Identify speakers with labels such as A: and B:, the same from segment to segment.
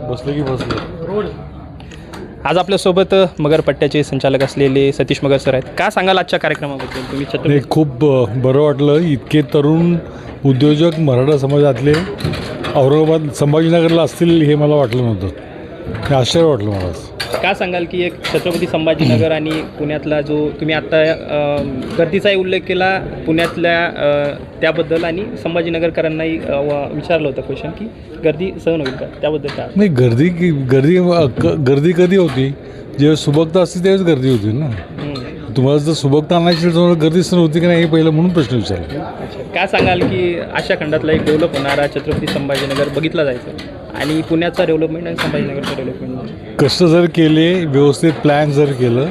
A: बसले की बसले.
B: आज आपल्यासोबत मगरपट्ट्याचे संचालक असलेले सतीश मगर सर आहेत. काय सांगाल आजच्या कार्यक्रमाबद्दल तुम्ही
A: नाही, खूप बरं वाटलं. इतके तरुण उद्योजक मराठा समाजातले औरंगाबाद संभाजीनगरला असतील हे मला वाटलं नव्हतं. हे आश्चर्य वाटलं मला.
B: काय सांगाल की एक छत्रपती संभाजीनगर आणि पुण्यातला जो तुम्ही आत्ता गर्दीचाही उल्लेख केला पुण्यातल्या त्याबद्दल आणि संभाजीनगरकरांनाही विचारलं होतं क्वेश्चन की गर्दी सहन होईल का त्याबद्दल काय?
A: नाही, गर्दी कधी होती? जेव्हा सुबकता असते त्यावेळेस गर्दी होती ना. तुम्हाला जर सुबकता आणायची तर गर्दी सण होती की नाही हे पहिलं म्हणून प्रश्न विचारला.
B: काय सांगाल की अशा खंडातला एक डेव्हलप होणारा छत्रपती संभाजीनगर बघितला जायचं आणि पुण्याचा डेव्हलपमेंट आणि संभाजीनगरचं डेव्हलपमेंट
A: कष्ट जर केले, व्यवस्थित प्लॅन जर केलं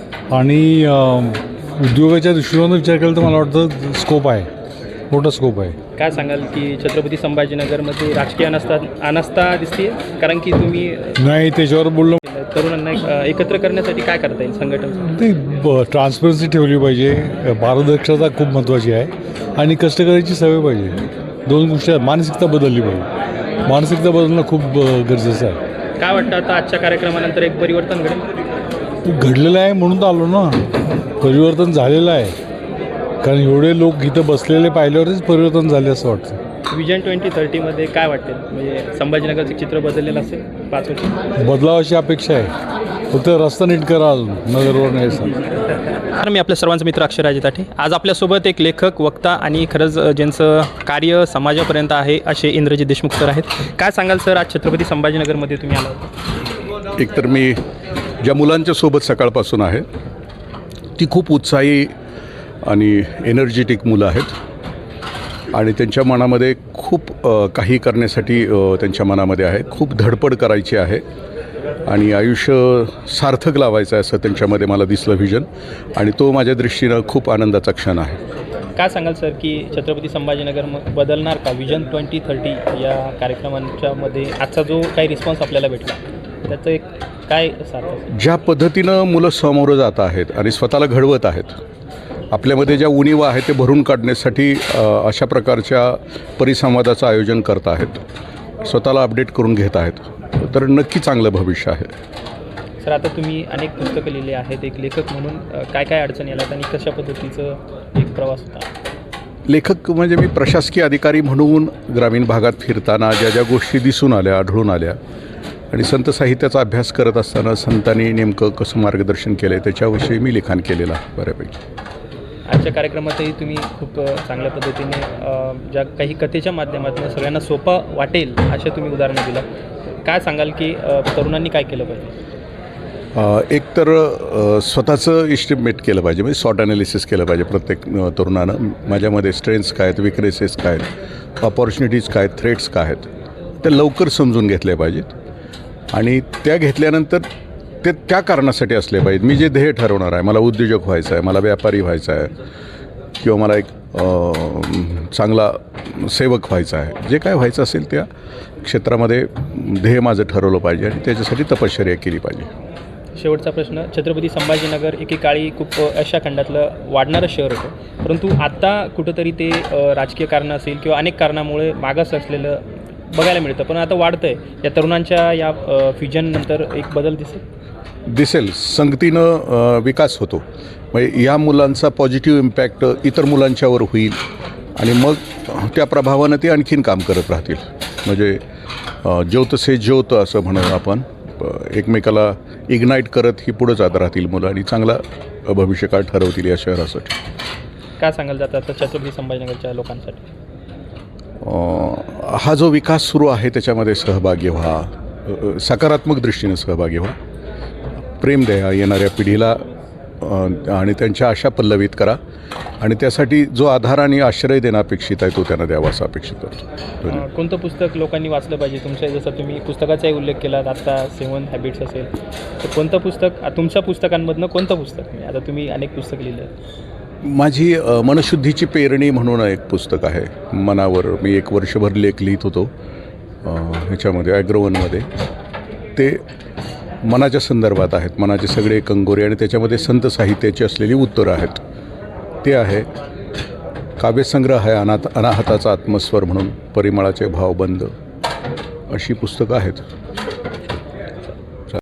A: आणि उद्योगाच्या दृष्टीने विचार केला तर मला वाटतं स्कोप आहे, मोठा स्कोप आहे.
B: काय सांगाल की छत्रपती संभाजीनगरमध्ये राजकीय अनास्था दिसते? कारण की तुम्ही
A: नाही, त्याच्यावर बोललो.
B: तरुणांना एकत्र करण्यासाठी काय करता येईल संघटन?
A: ते ट्रान्सपरन्सी ठेवली पाहिजे, पारदर्शकता खूप महत्त्वाची आहे आणि कष्ट करायची सवय पाहिजे. दोन गोष्टी आहेत. मानसिकता बदलली पाहिजे. मानसिकता बदलणं खूप गरजेचं आहे.
B: काय वाटतं आता आजच्या कार्यक्रमानंतर एक परिवर्तन घडेल?
A: घडलेलं आहे म्हणून तर आलो ना. परिवर्तन झालेलं आहे, कारण एवढे लोक इथं बसलेले पाहिल्यावरच परिवर्तन झाले असं वाटतं.
B: विजन 2030मध्ये काय वाटेल? म्हणजे संभाजीनगरचं चित्र बदललेलं असेल 5 वर्ष?
A: बदलावाची अपेक्षा आहे. फक्त रस्ता नीट करा अजून नगरवर नाही सर.
B: तर मी आपल्या सर्वांचा मित्र अक्षराजी ताठे. आज आपल्यासोबत एक लेखक, वक्ता आणि खरंच ज्यांचं कार्य समाजापर्यंत आहे असे इंद्रजित देशमुख सर आहेत. काय सांगाल सर, आज छत्रपती संभाजीनगरमध्ये तुम्ही आला होता?
C: एकतर मी ज्या मुलांच्या सोबत सकाळपासून आहे ती खूप उत्साही आणि एनर्जेटिक मुलं आहेत आणि त्यांच्या मनामध्ये खूप काही करण्यासाठी त्यांच्या मनामध्ये आहे. खूप धडपड करायची आहे आणि आयुष्य सार्थक लावायचं आहे असं त्यांच्यामध्ये मला दिसलं व्हिजन, आणि तो माझ्या दृष्टीनं खूप आनंदाचा क्षण आहे.
B: काय सांगाल सर की छत्रपती संभाजीनगर बदलणार का? विजन 2030 या कार्यक्रमांच्या मध्ये आजचा जो काही रिस्पॉन्स आपल्याला भेटला त्याचं एक काय सार्थ?
C: ज्या पद्धतीनं मुलं समोरं जात आहेत आणि स्वतःला घडवत आहेत, आपल्यामध्ये ज्या उणीवा आहेत ते भरून काढण्यासाठी अशा प्रकारच्या परिसंवादाचं आयोजन करत आहेत, स्वतःला अपडेट करून घेत आहेत, तर नक्की चांगलं भविष्य आहे.
B: सर, आता तुम्ही अनेक पुस्तकं लिहिली आहेत. एक लेखक म्हणून काय काय अडचणी आल्यात आणि कशा पद्धतीचं एक प्रवास होता?
C: लेखक म्हणजे मी प्रशासकीय अधिकारी म्हणून ग्रामीण भागात फिरताना ज्या ज्या गोष्टी दिसून आल्या, आढळून आल्या आणि संत साहित्याचा अभ्यास करत असताना संतांनी नेमकं कसं मार्गदर्शन केलं आहे त्याच्याविषयी मी लिखाण केलेलं आहे बऱ्यापैकी.
B: आजच्या कार्यक्रमातही तुम्ही खूप चांगल्या पद्धतीने ज्या काही कथेच्या माध्यमातून सगळ्यांना सोपं वाटेल अशा तुम्ही उदाहरणं दिलं. काय सांगाल की तरुणांनी काय केलं पाहिजे?
C: एक तर स्वतःचं इस्टिमेट केलं पाहिजे, म्हणजे सॉर्ट ॲनालिसिस केलं पाहिजे प्रत्येक तरुणानं. माझ्यामध्ये स्ट्रेंथ्स काय आहेत, विकनेसेस काय आहेत, ऑपॉर्च्युनिटीज काय आहेत, थ्रेट्स काय आहेत, ते लवकर समजून घेतले पाहिजेत आणि त्या घेतल्यानंतर ते त्या कारणासाठी असले पाहिजेत. मी जे ध्येय ठरवणार आहे, मला उद्योजक व्हायचं आहे, मला व्यापारी व्हायचं आहे किंवा मला एक चांगला सेवक व्हायचा आहे, जे काय व्हायचं असेल त्या क्षेत्रामध्ये ध्येय माझं ठरवलं पाहिजे आणि त्याच्यासाठी तपश्चर्या केली पाहिजे.
B: शेवटचा प्रश्न, छत्रपती संभाजीनगर एकेकाळी खूप अशा खंडातलं वाढणारं शहर होतं, परंतु आता कुठंतरी ते राजकीय कारणं असेल किंवा अनेक कारणामुळे मागास असलेलं बघायला मिळतं, पण आता वाढतं आहे. या तरुणांच्या या फ्युजननंतर एक बदल
C: दिसेल. संगतीनं विकास होतो. म्हणजे या मुलांचा पॉझिटिव्ह इम्पॅक्ट इतर मुलांच्यावर होईल आणि मग त्या प्रभावानं ते आणखीन काम करत राहतील. म्हणजे ज्योत से ज्योत असं म्हणून आपण एकमेकाला इग्नाईट करत ही पुढं जात राहतील मुलं आणि चांगला भविष्यकाळ ठरवतील या शहरासाठी.
B: काय सांगायला जातं आता छत्रपती संभाजीनगरच्या लोकांसाठी?
C: हा जो विकास सुरू आहे त्याच्यामध्ये सहभागी व्हा, सकारात्मक दृष्टीने सहभागी व्हा, प्रेम द्या येणाऱ्या पिढीला आणि त्यांच्या आशा पल्लवित करा आणि त्यासाठी जो आधार आणि आश्रय देणं अपेक्षित आहे तो त्यांना द्यावा असं अपेक्षित करतो.
B: कोणतं पुस्तक लोकांनी वाचलं पाहिजे? तुमच्या जसं तुम्ही पुस्तकाचाही उल्लेख केला आता 7 हॅबिट्स असेल, तर कोणतं पुस्तक तुमच्या पुस्तकांमधनं कोणतं पुस्तक? आता तुम्ही अनेक पुस्तक लिहिलं.
C: माझी मनशुद्धीची पेरणी म्हणून एक पुस्तक आहे. मनावर मी 1 वर्षभर लेख लिहित होतो ह्याच्यामध्ये ॲग्रोवनमध्ये. ते मनाच्या संदर्भात आहेत, मनाचे सगळे कंगोरे आणि त्याच्यामध्ये संत साहित्याची असलेली उत्तरं आहेत. ते आहे काव्यसंग्रह आहे अनाहताचा आत्मस्वर म्हणून, परिमळाचे भावबंद, अशी पुस्तकं आहेत.